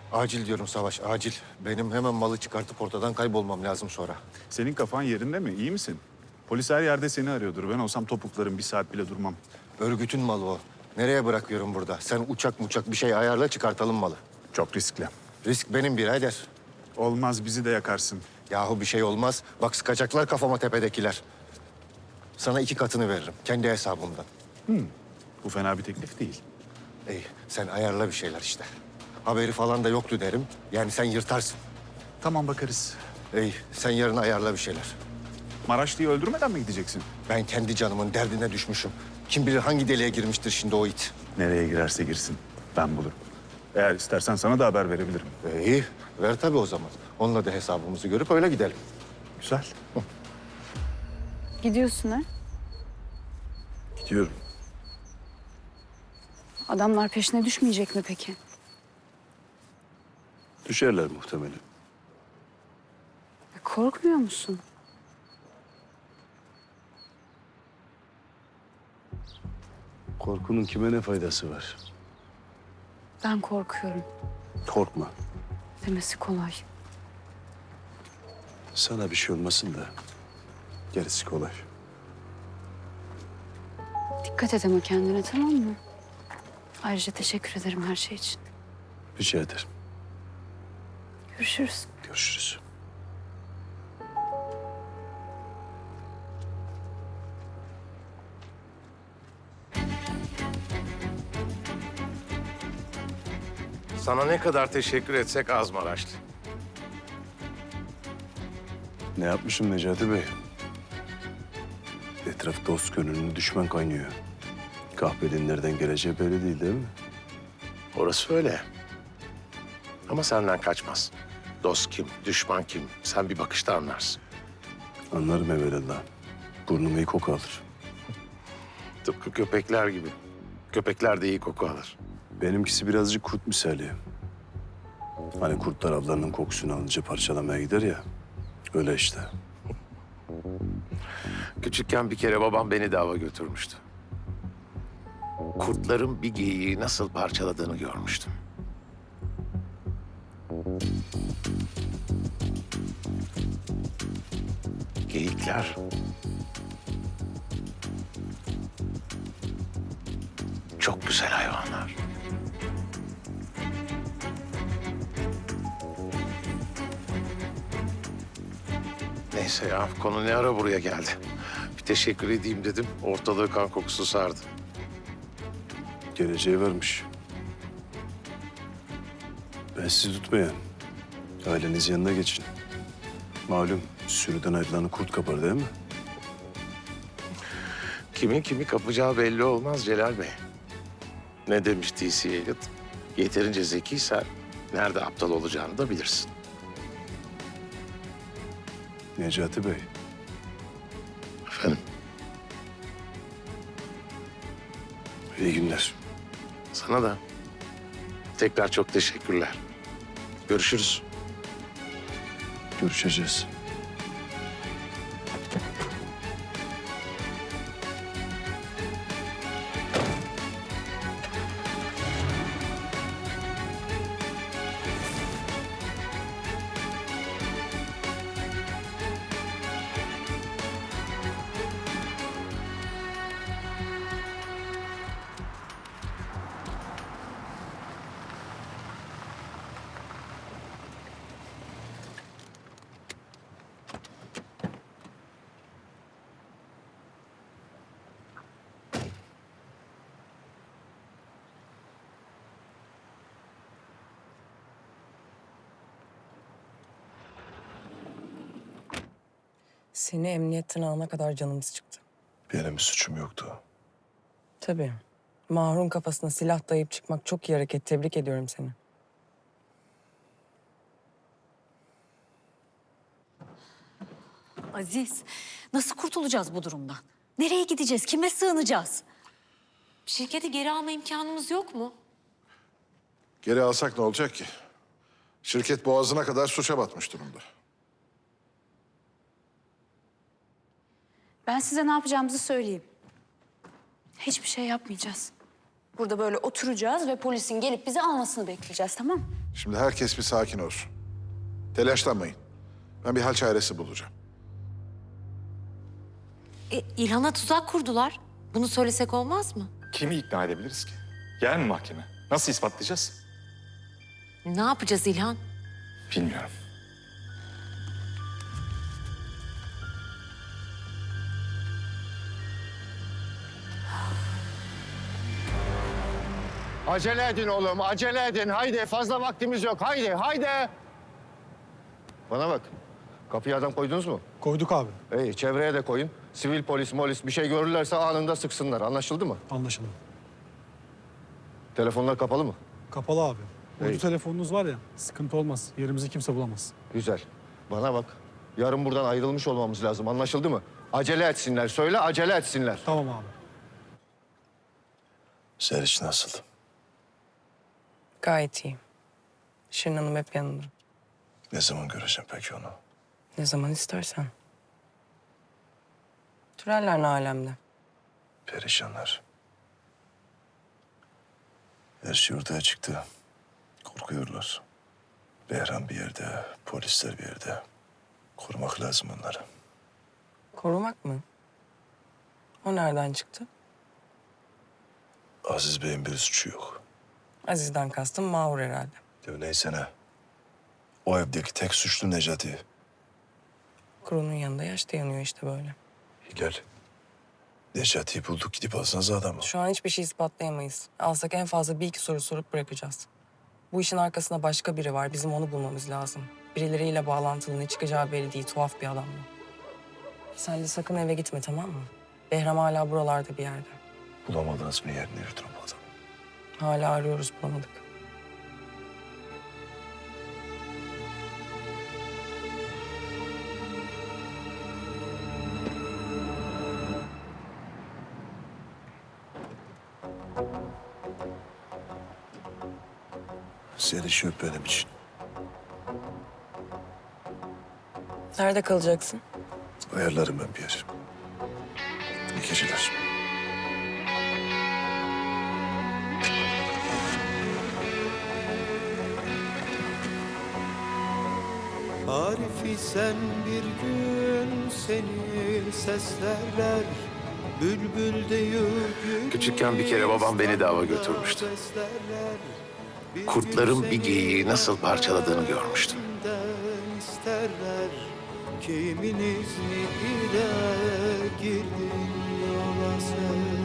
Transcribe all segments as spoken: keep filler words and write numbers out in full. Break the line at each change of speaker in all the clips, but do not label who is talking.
Acil diyorum Savaş, acil. Benim hemen malı çıkartıp ortadan kaybolmam lazım sonra.
Senin kafan yerinde mi? İyi misin? Polis her yerde seni arıyordur. Ben olsam topuklarım bir saat bile durmam.
Örgütün malı o. Nereye bırakıyorum burada? Sen uçak muçak bir şey ayarla, çıkartalım malı.
Çok riskli.
Risk benim birader.
Olmaz, bizi de yakarsın.
Yahu bir şey olmaz. Bak sıkacaklar kafama tepedekiler. Sana iki katını veririm, kendi hesabımdan.
Bu fena bir teklif değil.
İyi, sen ayarla bir şeyler işte. Haberi falan da yoktu derim. Yani sen yırtarsın.
Tamam, bakarız.
İyi, sen yarın ayarla bir şeyler.
Maraşlı'yı öldürmeden mi gideceksin?
Ben kendi canımın derdine düşmüşüm. Kim bilir hangi deliğe girmiştir şimdi o it.
Nereye girerse girsin. Ben bulurum. Eğer istersen sana da haber verebilirim.
İyi, ver tabii o zaman. Onunla da hesabımızı görüp öyle gidelim.
Güzel.
Gidiyorsun ha?
Gidiyorum.
Adamlar peşine düşmeyecek mi peki?
Düşerler muhtemelen.
Ya korkmuyor musun?
Korkunun kime ne faydası var?
Ben korkuyorum.
Korkma.
Demesi kolay.
Sana bir şey olmasın da gerisi kolay.
Dikkat et ama kendine, tamam mı? Ayrıca teşekkür ederim her şey için.
Rica ederim.
Görüşürüz.
Görüşürüz.
Sana ne kadar teşekkür etsek az Maraşlı.
Ne yapmışım Necati Bey? Etraf dost gönüllü düşman kaynıyor. Kahpenin nereden geleceği belli değil, değil mi?
Orası öyle. Ama senden kaçmaz. Dost kim, düşman kim? Sen bir bakışta anlarsın.
Anlarım evvelallah. Burnum iyi koku alır.
Tıpkı köpekler gibi. Köpekler de iyi koku alır.
Benimkisi birazcık kurt misali. Hani kurtlar avlarının kokusunu alınca parçalamaya gider ya. Öyle işte.
Küçükken bir kere babam beni de ava götürmüştü. Kurtların bir geyiği nasıl parçaladığını görmüştüm. Geyikler çok güzel hayvanlar. Neyse ya, konu ne ara buraya geldi. Bir teşekkür edeyim dedim, ortalığı kan kokusu sardı.
Geleceği varmış. Ben sizi tutmayan. Aileniz yanına geçin. Malum sürüden ayrılanı kurt kapar değil mi?
Kimin kimi kapacağı belli olmaz Celal Bey. Ne demiş T C Eliot? Yeterince zekiysen nerede aptal olacağını da bilirsin.
Necati Bey,
Efendim,
iyi günler.
sana da tekrar çok teşekkürler. Görüşürüz.
Görüşeceğiz.
Seni emniyetten alana kadar canımız çıktı.
Benim bir suçum yoktu.
Tabii. Mahrun kafasına silah dayayıp çıkmak çok iyi hareket. Tebrik ediyorum seni.
Aziz, nasıl kurtulacağız bu durumdan? Nereye gideceğiz? Kime sığınacağız?
Şirketi geri alma imkanımız yok mu?
Geri alsak ne olacak ki? Şirket boğazına kadar suça batmış durumda.
Ben size ne yapacağımızı söyleyeyim. Hiçbir şey yapmayacağız. Burada böyle oturacağız ve polisin gelip bizi almasını bekleyeceğiz, tamam mı?
Şimdi herkes bir sakin olsun. Telaşlanmayın. Ben bir hal çaresi bulacağım.
E, İlhan'a tuzak kurdular. Bunu söylesek olmaz mı?
Kimi ikna edebiliriz ki? Yer mi mahkeme? Nasıl ispatlayacağız?
Ne yapacağız İlhan?
Bilmiyorum.
Acele edin oğlum, acele edin. Haydi, fazla vaktimiz yok. Haydi, haydi. Bana bak, kapıya adam koydunuz mu?
Koyduk abi.
İyi, çevreye de koyun. Sivil polis, molis bir şey görürlerse anında sıksınlar. Anlaşıldı mı?
Anlaşıldı.
Telefonlar kapalı mı?
Kapalı abi. Uydu
İyi.
telefonunuz var ya, sıkıntı olmaz. Yerimizi kimse bulamaz.
Güzel. Bana bak, yarın buradan ayrılmış olmamız lazım. Anlaşıldı mı? Acele etsinler. Söyle, acele etsinler.
Tamam abi.
Seriç nasıl?
Gayet iyi. Şirin Hanım hep yanında.
Ne zaman göreceğim peki onu?
Ne zaman istersen. Türeller ne alemde?
Perişanlar. Her şey ortaya çıktı. Korkuyorlar. Behram bir yerde, polisler bir yerde. Korumak lazım onları.
Korumak mı? O nereden çıktı?
Aziz Bey'in bir suçu yok.
Aziz'den kastım Mahur herhalde.
Ya neyse ne. O evdeki tek suçlu Necati.
Kurunun yanında yaş da yanıyor işte böyle.
Hilal. Necati'yi bulduk, gidip alsanız adamı.
Şu an hiçbir şey ispatlayamayız. Alsak en fazla bir iki soru sorup bırakacağız. Bu işin arkasında başka biri var. Bizim onu bulmamız lazım. Birileriyle bağlantılı, ne çıkacağı belli değil. Tuhaf bir adam bu. Sen de sakın eve gitme, tamam mı? Behram hala buralarda bir yerde.
Bulamadınız mı yerini yurdunu bu adamı?
Hala arıyoruz, bulamadık.
Seriç öp benim için.
Nerede kalacaksın?
Ayarlarım ben bir yer. İyi geceler.
Arifi sen bir gün seni seslerler. Bülbül deyip
Küçükken bir kere babam beni de ava götürmüştü. Kurtların bir geyiği nasıl parçaladığını görmüştüm.
isterler. Kimin izniyle girdin yola sen?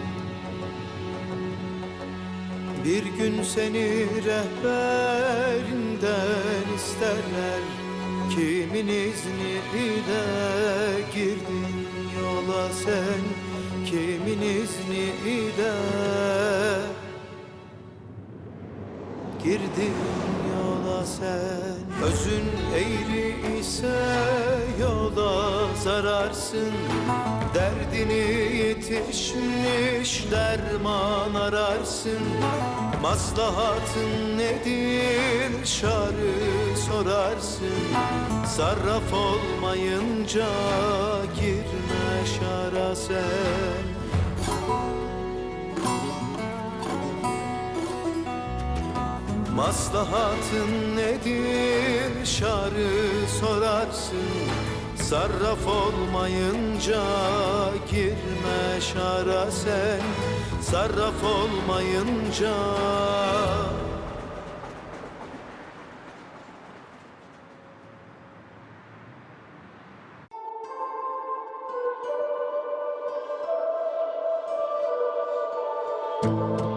Bir gün seni rehberinden isterler. Kimin izniyle girdin yola sen? Kimin izniyle girdin yola sen? Özün eğri ise yola zararsın. Derdini yetişmiş derman ararsın. Maslahatın nedir şarı sorarsın. Sarraf olmayınca girme şara sen. Maslahatın nedir şarı sorarsın. Sarraf olmayınca girme şara sen. Sarraf olmayınca.
Thank you.